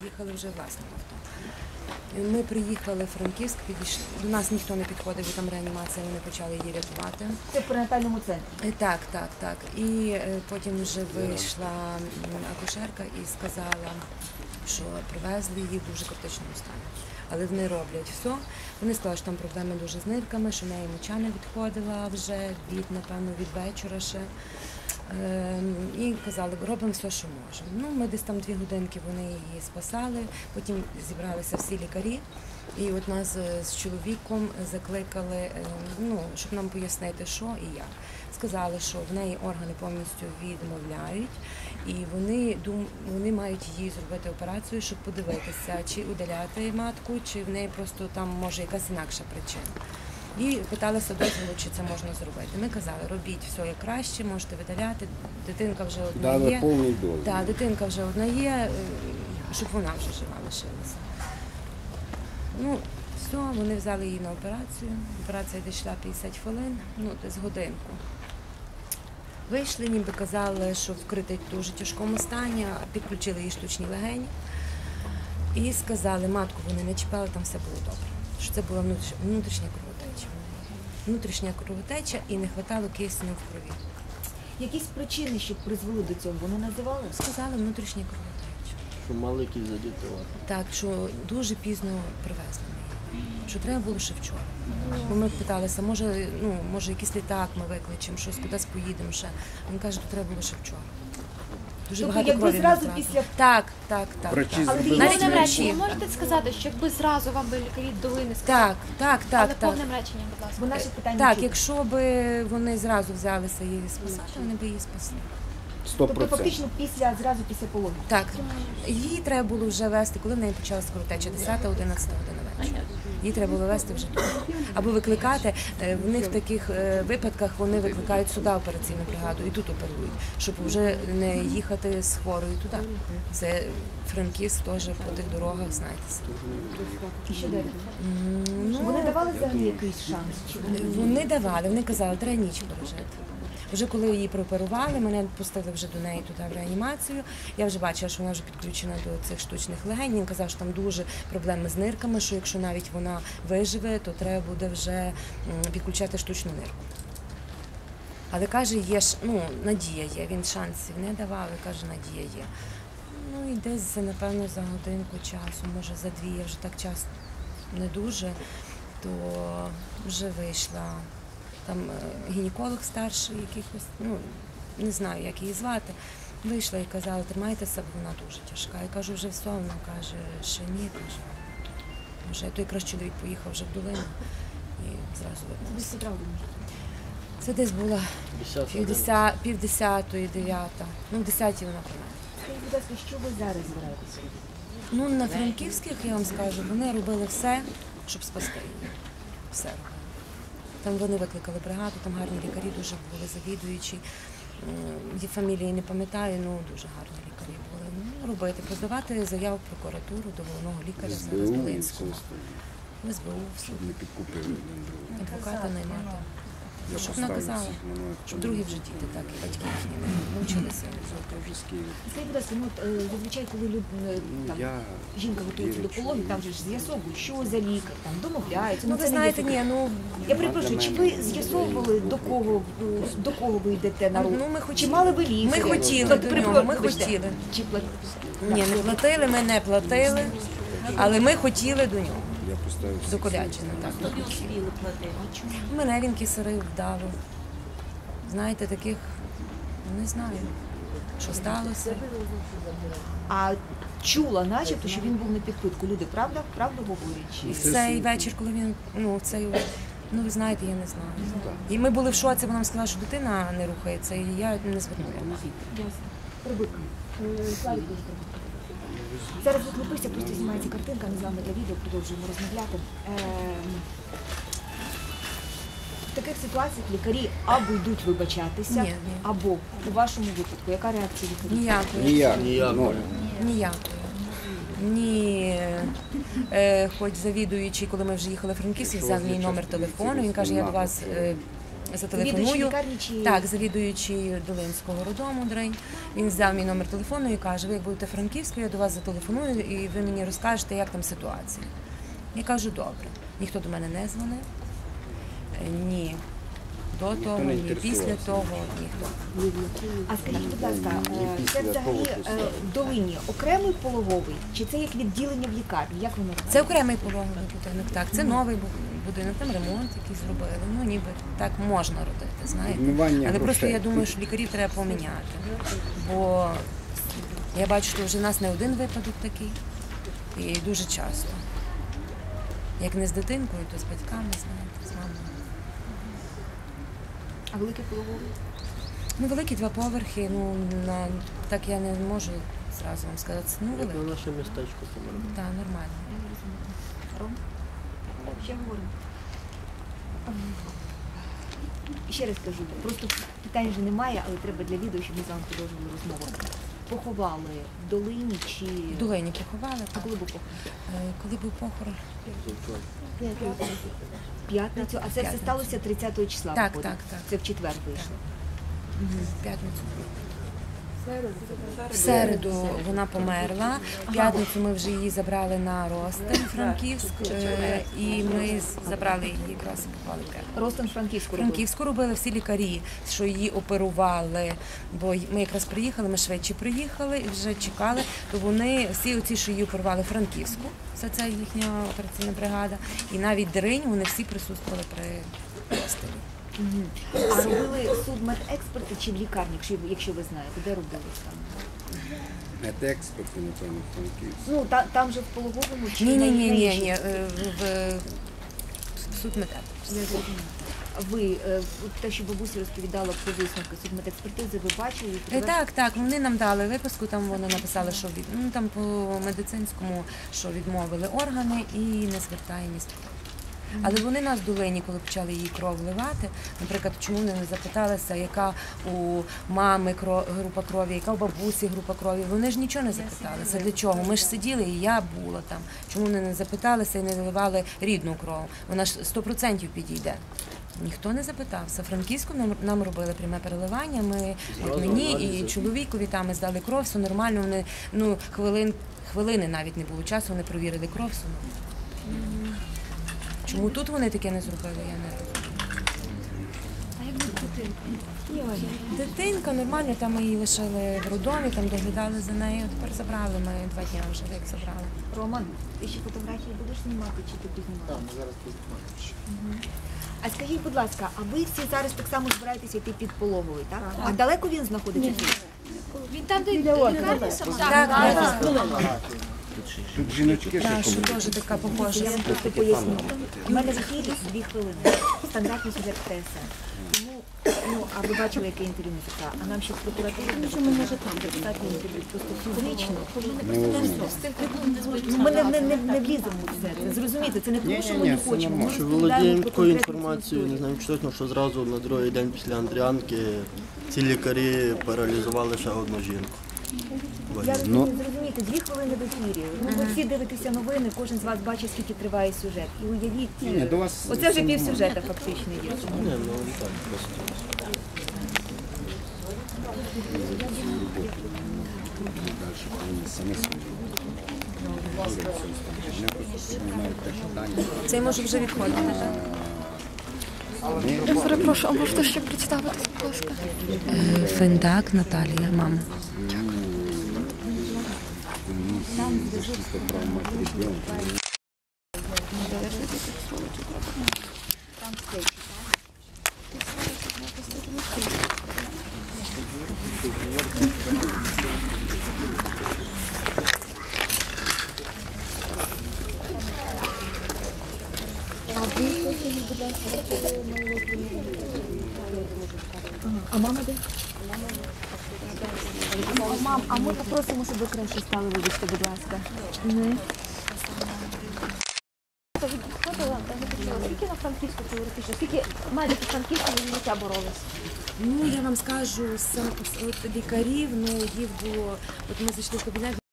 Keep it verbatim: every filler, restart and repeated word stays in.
приїхали вже власним авто. Ми приїхали в Франківськ, підійшли. До нас ніхто не підходив, бо там реанімація, вони почали її рятувати. Це в перинатальному центрі? Так, так, так. І потім вже вийшла акушерка і сказала, що привезли її в дуже критичному стані. Але вони роблять все. Вони сказали, що там проблеми дуже з нирками, що в неї моча не відходила вже від, напевно, від вечора ще. І казали, робимо все, що можемо. Ну, ми десь там дві годинки вони її спасали, потім зібралися всі лікарі. І от нас з чоловіком закликали, ну, щоб нам пояснити, що і як. Сказали, що в неї органи повністю відмовляють, і вони, дум, вони мають їй зробити операцію, щоб подивитися, чи удаляти матку, чи в неї просто там може якась інакша причина. І питалися дозволу, чи це можна зробити. Ми казали, робіть все як краще, можете видаляти, дитинка вже одна Дали є. повний дозвіл. Так, дитинка вже одна є, щоб вона вже жива лишилася. Ну, все, вони взяли її на операцію. Операція дійшла п'ятдесят хвилин, ну, десь годинку. Вийшли, ніби казали, що вкритий в дуже тяжкому стані, підключили їй штучні легені. І сказали, матку вони не чіпали, там все було добре. Що це була внутрішня кровотеча. Внутрішня кровотеча і не вистачало кисню в крові. Якісь причини, що призвели до цього, вони називали? Сказали, внутрішня кровотеча. Що маленький задітував. Так, що дуже пізно привезли її. Що треба було ще вчора. Бо ми питалися, може, ну, може якийсь літак ми викличемо, щось кудись поїдемо ще. Він каже, що треба було ще вчора. Дуже тобто, багато якби крові зразу втратили. після... Так, так, так. Врачі так. зробили Навіть Повним врачі. реченням можете сказати, що якби зразу вам би лікарі дали не сказали? Так, так, так, Але так. повним реченням, будь ласка. Бо наше питання Так, чути. якщо б вони зразу взялися її спасати, вони б її спасли. Сто Тобто процентів. фактично після, зразу після пологів? Так, її треба було вже вести, коли в неї почалася кровотеча, десята-одинадцята година вечора. Її треба було вести вже тут. Або викликати, в них в таких випадках вони викликають сюди операційну бригаду і тут оперують, щоб вже не їхати з хворою туди. Це Франківськ теж по тих дорогах, знаєте. І що далі? Ну, Вони давали взагалі якийсь шанс? Чи вони... Вони давали, вони казали, треба ніч пережити. Вже коли її прооперували, мене пустили вже до неї туди в реанімацію. Я вже бачила, що вона вже підключена до цих штучних легень. Він казав, що там дуже проблеми з нирками, що якщо навіть вона виживе, то треба буде вже підключати штучну нирку. Але каже, є ж, ну, надія є, він шансів не давав, і каже, надія є. Ну і десь, напевно, за годинку часу, може за дві, я вже так час не дуже, то вже вийшла. Там гінеколог старший, якихось, ну, не знаю, як її звати, вийшла і казала, тримайтеся, бо вона дуже тяжка. Я кажу, вже все, вона каже, ще ні, каже. Вже той якраз чоловік поїхав вже в долину і зразу вернувся. Це десь було півдесятої, дев'ята, ну в десятій вона померла. Скажіть, будь ласка, що ви зараз збираєтеся робити? Ну, на Франківських, я вам скажу, вони робили все, щоб спасти її. Все робили. Там вони викликали бригаду, там гарні лікарі дуже були завідуючі. Її фамілії не пам'ятаю, ну дуже гарні лікарі були. Ну, робити, подавати заяву в прокуратуру до головного лікаря зараз Долинського. В ес бе у, в суд. Не підкупили. Адвоката наймати. Щоб наказали, щоб другі вже діти так, і батьки їхні не мучилися. Скажіть, будь ласка, ну, от, зазвичай, коли люд, там, жінка готується до пологів, там же ж з'ясовують, що за лікар, там домовляються. Ну, ви це знаєте, не є ні, ну... Я перепрошую, чи ви з'ясовували, до кого, до кого ви йдете на руку? Ну, ми хотіли. Чи мали ви лікаря? Ми хотіли Тобто, до перепрошую, нього, ми вибачте, хотіли. Чи плат... Ні, не платили, ми не платили, але ми хотіли до нього. Я поставив До Колячина, так. До мене він кисарив вдало. Знаєте, таких, не знаю, що сталося. А чула, начебто, що він був на підпитку. Люди, правда? Правду говорять? І в цей вечір, коли він, ну, в цей, ну, ви знаєте, я не знаю. І ми були в шоці, бо нам сказали, що дитина не рухається, і я не звернула. Прибик. Славік дуже прибик. Зараз от Липися просто знімається картинка, ми з вами для відео продовжуємо розмовляти. В таких ситуаціях лікарі або йдуть вибачатися, Ні, ні. або у вашому випадку, яка реакція лікарів? Ніякої. Ніяк. Ніяк. Ніякої. Ні, е, хоч завідуючий, коли ми вже їхали в Франківськ, взяв мій номер телефону, він каже, я до вас е, зателефоную. лікарні чи... Так, завідуючий Долинського роддому Дринь. Він взяв мій номер телефону і каже: ви як будете в Франківську, я до вас зателефоную і ви мені розкажете, як там ситуація. Я кажу: добре. Ніхто до мене не дзвонив. Е, Ні. До того, не ні інтересувався. після того, ніхто. А скажіть, будь ласка, Ні е, після це того, взагалі після е, того. в Долині окремий пологовий, чи це як відділення в лікарні? Як воно робиться? Це окремий пологовий будинок, так. Це новий бу- будинок, там ремонт якийсь зробили. Ну, ніби так можна родити, знаєте. Відмивання Але просто грошей. я думаю, що лікарів треба поміняти. Бо я бачу, що вже в нас не один випадок такий. І дуже часто. Як не з дитинкою, то з батьками, знаєте, з мамою. А великий пологовий? Ну, великі два поверхи, ну, на, так я не можу зразу вам сказати. Ну, Як великі. на наше містечко померли. Так, нормально. Ром? Ще говоримо. Ще раз кажу, просто питань вже немає, але треба для відео, щоб ми з вами продовжували розмову. Поховали в Долині чи... В Долині поховали. А так. коли був похорон? Е, Коли був похорон? В п'ятницю, а це все П'ятницю. сталося тридцятого числа. Так, виходить? так, так. Це в четвер вийшло. В п'ятницю. В середу вона померла. В п'ятницю ми вже її забрали на Ростин, Франківськ, е, і ми з- забрали її якраз і поклали в Київ. Ростон Франківську робив. Франківську робили всі лікарі, що її оперували, бо й- ми якраз приїхали, ми швидше приїхали і вже чекали, то вони, всі оці, що її оперували Франківську, вся ця їхня операційна бригада, і навіть Дринь, вони всі присутствували при Ростині. Мгм. А робили судмедексперти чи в лікарні, якщо, якщо ви знаєте, де робили там? Медексперти, напевно, Франківськ. Ну, та, там же в пологовому чи Ні, ні, на- ні, на ні, іншій? ні, е, в, в судмедек. Я зрозуміла. Ви, е, от те, що бабуся розповідала про висновки судмедекспертизи, ви бачили? Е, підтверджували? Так, так, вони нам дали виписку, там вони написали, що від, ну, там по медицинському, що відмовили органи і не звертаємість. Але вони нас в Долині, коли почали її кров вливати, наприклад, чому вони не запиталися, яка у мами кро- група крові, яка у бабусі група крові, вони ж нічого не запиталися. Для чого? Ми ж сиділи, і я була там. Чому вони не запиталися і не виливали рідну кров? Вона ж сто відсотків підійде. Ніхто не запитався. Франківську нам, нам робили пряме переливання. Ми, от мені і чоловікові там ми здали кров, все нормально. Вони, ну, хвилин, хвилини навіть не було часу, вони провірили кров. Все нормально. Чому тут вони таке не зробили, я не розумію. А як буде дитинка? Дитинка нормально, там ми її лишили в роддомі, там доглядали за нею. Тепер забрали ми два дні вже, як забрали. Роман, ти ще фотографії будеш знімати чи ти познімаєш? Так, ми зараз познімаємо. А скажіть, будь ласка, а ви всі зараз так само збираєтеся йти під пологовий, так? А далеко він знаходиться? Він там, де лікарня сама? Так, так, Тут жіночки ще так, що померли. теж така похожа. Я вам просто поясню. У мене в ефірі дві хвилини. Стандартний сюжет преси. Тому, ну, а ви бачили, яке інтерв'ю ми записали? А нам ще з прокуратури достатньо інтерв'ю. Просто фізично. Ну, ми не, не, не, не вліземо в це. Це зрозумієте, це не тому, що ми Ні-ні-ні, не все хочемо. Ми нормально. Що розповідаємо володіємо про такою конкретну інформацією, не історію. знаю точно, що зразу на другий день після Андріанки ці лікарі паралізували ще одну жінку. Я Ну. розумію, зрозумієте, дві хвилини в ефірі. Ну, ви всі дивитеся новини, кожен з вас бачить, скільки триває сюжет. І уявіть, Ні, ні, до вас оце вже все пів нормально. сюжета фактично є. Ні, ну так, просто. Далі повинні самі собі. Вони просто приймають те питання. Цей може вже відходити, так? Я перепрошую, а можете ще представитись, будь ласка? Финдак Наталія, мама. Защита прав матері ребенка. А мама де? Мам, а ми попросимо, щоб ви краще стали, вибачте, будь ласка. Скільки на Франківську теоретично? Скільки медиків Франківську за життя боролись? Ну, я вам скажу, сам, от лікарів, ну, їх було, от ми зайшли в кабінет,